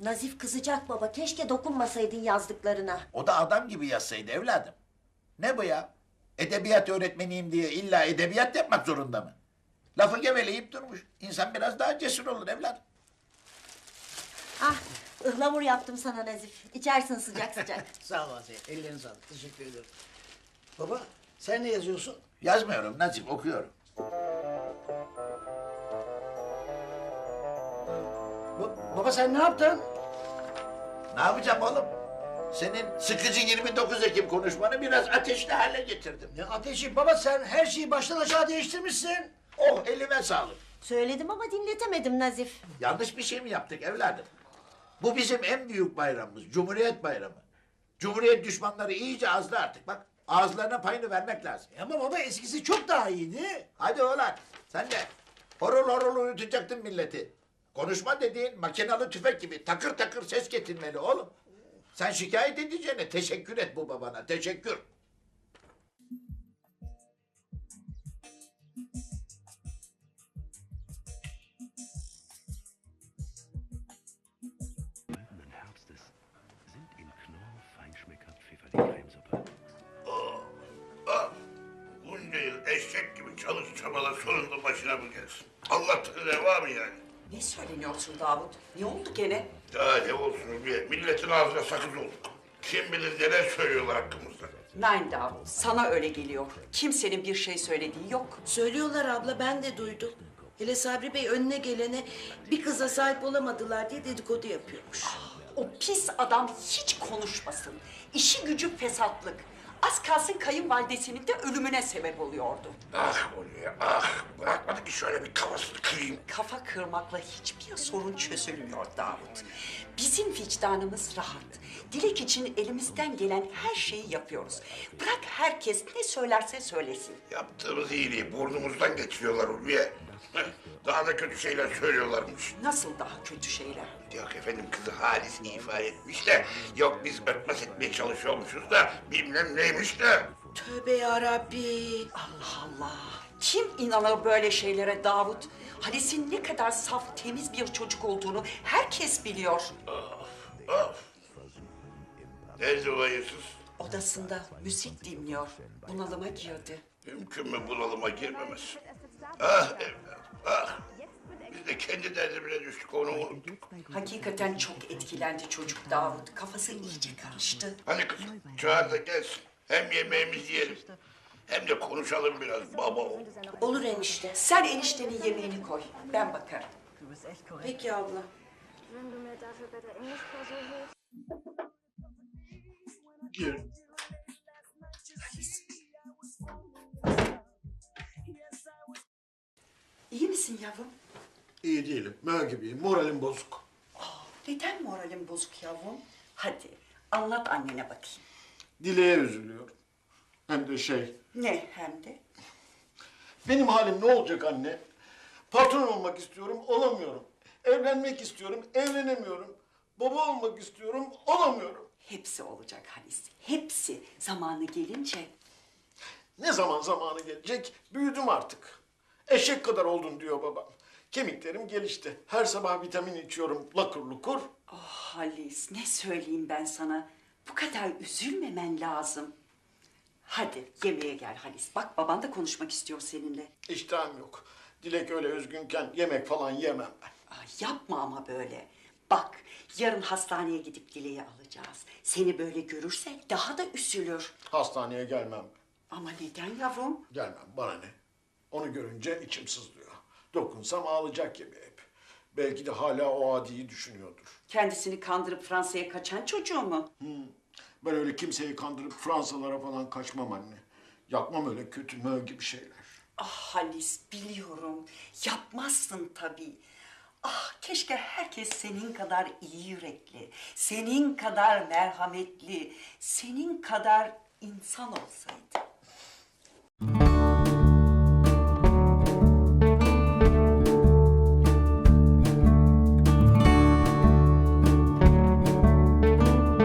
Nazif kızacak baba. Keşke dokunmasaydın yazdıklarına. O da adam gibi yazsaydı evladım. Ne bu ya? Edebiyat öğretmeniyim diye illa edebiyat yapmak zorunda mı? Lafı geveleyip durmuş. İnsan biraz daha cesur olur evladım. Ah, ıhlamur yaptım sana Nazif. İçersin sıcak sıcak. Sağ ol Asiye. Ellerine sağlık. Teşekkür ederim. Baba sen ne yazıyorsun? Yazmıyorum Nazif, okuyorum. Baba sen ne yaptın? Ne yapacağım oğlum? Senin sıkıcı 29 Ekim konuşmanı biraz ateşli hale getirdim. Ne ateşi baba sen her şeyi baştan aşağı değiştirmişsin. Oh, elime sağlık. Söyledim ama dinletemedim Nazif. Yanlış bir şey mi yaptık evladım? Bu bizim en büyük bayramımız, Cumhuriyet Bayramı. Cumhuriyet düşmanları iyice azdı artık bak. Ağızlarına payını vermek lazım. Ama baba eskisi çok daha iyiydi. Hadi oğlan, sen de horul horul uyutacaktın milleti. Konuşma dediğin makinalı tüfek gibi takır takır ses getirmeli oğlum. Sen şikayet edeceğine teşekkür et bu babana, teşekkür. Goldenen Herbstes sind in Knorr Feinschmecker Pfifferling-Crmesuppe. Bunca yıl eşek gibi çalış çabala sonunda başına mı gelsin? Allah'tan reva mı yani? Ne söyleniyorsun Davut? Ne oldu gene? Daha ne olsun diye milletin ağzına sakız olduk. Kim bilir neler söylüyorlar hakkımızda. Nein Davut, sana öyle geliyor. Kimsenin bir şey söylediği yok. Söylüyorlar abla, ben de duydum. Hele Sabri Bey önüne gelene bir kıza sahip olamadılar diye dedikodu yapıyormuş. O pis adam hiç konuşmasın. İşi gücü fesatlık. Az kalsın kayınvalidesinin de ölümüne sebep oluyordu. Ah Hulya ah, bırakmadı ki şöyle bir kafasını kırayım. Kafa kırmakla hiçbir sorun çözülmüyor Davut. Bizim vicdanımız rahat. Dilek için elimizden gelen her şeyi yapıyoruz. Bırak herkes ne söylerse söylesin. Yaptığımız iyiliği burnumuzdan geçiriyorlar Hulya. Daha da kötü şeyler söylüyorlarmış. Nasıl daha kötü şeyler? Yok efendim kızı Halis ifade etmiş de, yok biz örtbas etmeye çalışıyormuşuz da bilmem neymiş de. Tövbe yarabbi. Allah Allah! Kim inanır böyle şeylere Davut? Halis'in ne kadar saf, temiz bir çocuk olduğunu herkes biliyor. Of. Nerede o hayırsız? Odasında müzik dinliyor. Bunalıma girdi. Mümkün mü bunalıma girmemesi? Ah evladım, ah! Biz de kendi derdimize düştük, onu unuttuk. Hakikaten çok etkilendi çocuk Davut. Kafası iyice karıştı. Hani kızım, çağır da gelsin. Hem yemeğimizi yiyelim, hem de konuşalım biraz baba oğul. Olur enişte. Sen eniştenin yemeğini koy. Ben bakarım. Peki abla. Wenn du mir dafür bei der Englischklausur hilfst. Gir. İyi misin yavrum? İyi değilim. Mö gibiyim. Moralim bozuk. Neden moralin bozuk yavrum? Hadi anlat annene bakayım. Dileğe üzülüyorum. Hem de Ne hem de? benim halim ne olacak anne? Patron olmak istiyorum, olamıyorum. Evlenmek istiyorum, evlenemiyorum. Baba olmak istiyorum, olamıyorum. Hepsi olacak Halis. Hepsi zamanı gelince. Ne zaman zamanı gelecek? Büyüdüm artık. Eşek kadar oldun diyor babam. Kemiklerim gelişti. Her sabah vitamin içiyorum lakur lukur. Oh Halis ne söyleyeyim ben sana. Bu kadar üzülmemen lazım. Hadi yemeğe gel Halis. Bak baban da konuşmak istiyor seninle. İştahım yok. Dilek öyle üzgünken yemek falan yemem ben. Yapma ama böyle. Bak yarın hastaneye gidip Dileği alacağız. Seni böyle görürse daha da üzülür. Hastaneye gelmem. Ama neden yavrum? Gelmem, bana ne? Onu görünce içim sızlıyor. Dokunsam ağlayacak gibi hep. Belki de hala o adiyi düşünüyordur. Kendisini kandırıp Fransa'ya kaçan çocuğu mu? Ben öyle kimseyi kandırıp Fransalara falan kaçmam anne. Yapmam öyle kötü mö gibi şeyler. Ah Halis biliyorum. Yapmazsın tabii. Ah keşke herkes senin kadar iyi yürekli, senin kadar merhametli, senin kadar insan olsaydı.